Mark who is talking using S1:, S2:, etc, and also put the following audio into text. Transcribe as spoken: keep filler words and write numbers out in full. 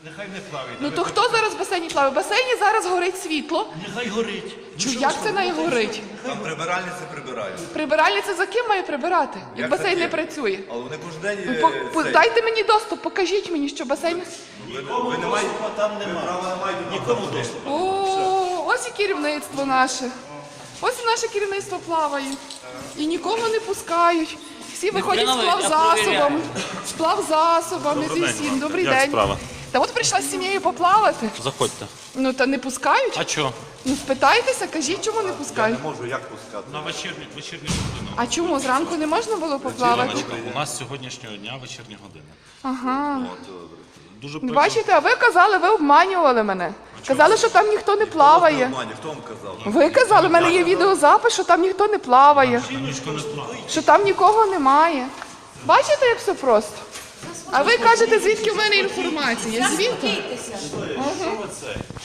S1: Нехай не плаває.
S2: Ну то хто зараз в басейні плаває? В басейні зараз горить світло.
S1: Нехай горить.
S2: Чу, як це не горить?
S3: Там прибиральниці прибирають.
S2: Прибиральниця за ким має прибирати? Як
S3: Як
S2: басейн
S3: за
S2: не
S3: ким?
S2: працює?
S3: Але вони кожен день...
S2: Ну,
S3: е,
S2: по- по-
S3: цей,
S2: Дайте мені доступ, покажіть мені, що басейн...
S3: ви, ви не маєте...
S1: Там
S3: Ви
S1: немає.
S3: права не маєте
S1: Нікому доступу.
S2: О, ось і керівництво наше. Ось і наше керівництво плаває. І нікого не пускають. Всі виходять з плавзасобами, з плавзасобами, зі всім. Добрий
S4: Як
S2: день.
S4: справа?
S2: Та от прийшла з сім'єю поплавати.
S4: Заходьте.
S2: Ну та не пускають.
S4: А чо?
S2: Ну спитайтеся, кажіть, чому не пускають.
S3: Не можу, як пускати.
S4: На вечірню, вечірню годину.
S2: А чому зранку не можна було поплавати?
S4: Іваночка, у нас з сьогоднішнього дня вечірня година.
S2: Ага.
S4: Дуже
S2: Ну,
S4: прикро.
S2: бачите, а ви казали, ви обманювали мене. Казали, що там ніхто не плаває.
S3: Хто вам казав?
S2: Ви казали, в мене є відеозапис, що там ніхто не плаває.
S4: Ніхто не плаває.
S2: Що там нікого немає. Бачите, як все просто? А ви кажете, звідки в мене інформація? Звідки?